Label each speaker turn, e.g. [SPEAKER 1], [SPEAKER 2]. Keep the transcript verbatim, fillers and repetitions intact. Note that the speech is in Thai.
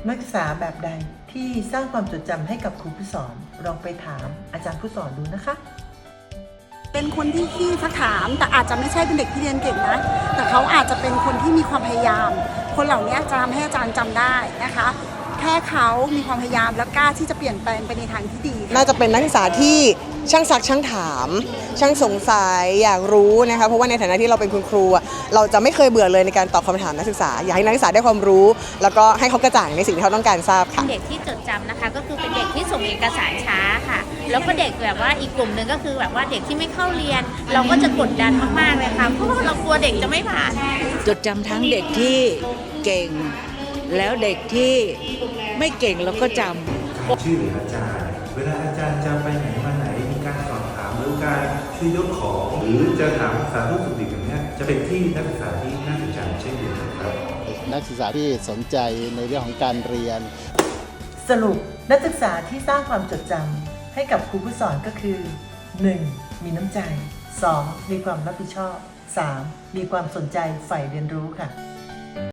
[SPEAKER 1] นักศึกษาแบบใดที่สร้างความจดจำให้กับครูผู้สอนลองไปถามอาจารย์ผู้สอนดูนะคะ
[SPEAKER 2] เป็นคนที่ขี้ทักถามแต่อาจจะไม่ใช่เป็นเด็กที่เรียนเก่งนะแต่เขาอาจจะเป็นคนที่มีความพยายามคนเหล่านี้จะทำให้อาจารย์จำได้นะคะแค่เขามีความพยายามและกล้าที่จะเปลี่ยนแปลงไปในทางที่ดี
[SPEAKER 3] น่าจะเป็นนักศึกษาที่ช่างซักช่างถามช่างสงสัยอยากรู้นะคะเพราะว่าในฐานะที่เราเป็นคุณครูเราจะไม่เคยเบื่อเลยในการตอบคำถามนักศึกษาอยากให้นักศึกษาได้ความรู้แล้วก็ให้เขากระจ่างในสิ่งที่เขาต้องการทราบค่ะ
[SPEAKER 4] เด็กที่จดจำนะคะก็คือเป็นเด็กที่ส่งเอกสารช้าค่ะแล้วก็เด็กแบบว่าอีกกลุ่มหนึ่งก็คือแบบว่าเด็กที่ไม่เข้าเรียนเราก็จะกดดันมากๆเลยค่ะเพราะว่าเรากลัวเด็กจะไม่ผ่าน
[SPEAKER 5] จดจำทั้งเด็กที่เก่งแล้วเด็กที่ไม่เก่งเราก็จำ
[SPEAKER 6] ชื่อหรืออาจารย์เวลาอาจารย์จะไปไหนมาไหนมีการสอบถามหรือการช่วยยกของหรือจะถามสารทุกข์สุขดิบอย่างนี้จะเป็นที่นักศึกษาที่น่าสนใจเช่นเดียวกันครับ
[SPEAKER 7] นักศึกษาที่สนใจในเรื่องของการเรียน
[SPEAKER 1] สรุปนักศึกษาที่สร้างความจดจำให้กับครูผู้สอนก็คือ หนึ่ง. มีน้ำใจ สอง. มีความรับผิดชอบ สาม. มีความสนใจใฝ่เรียนรู้ค่ะ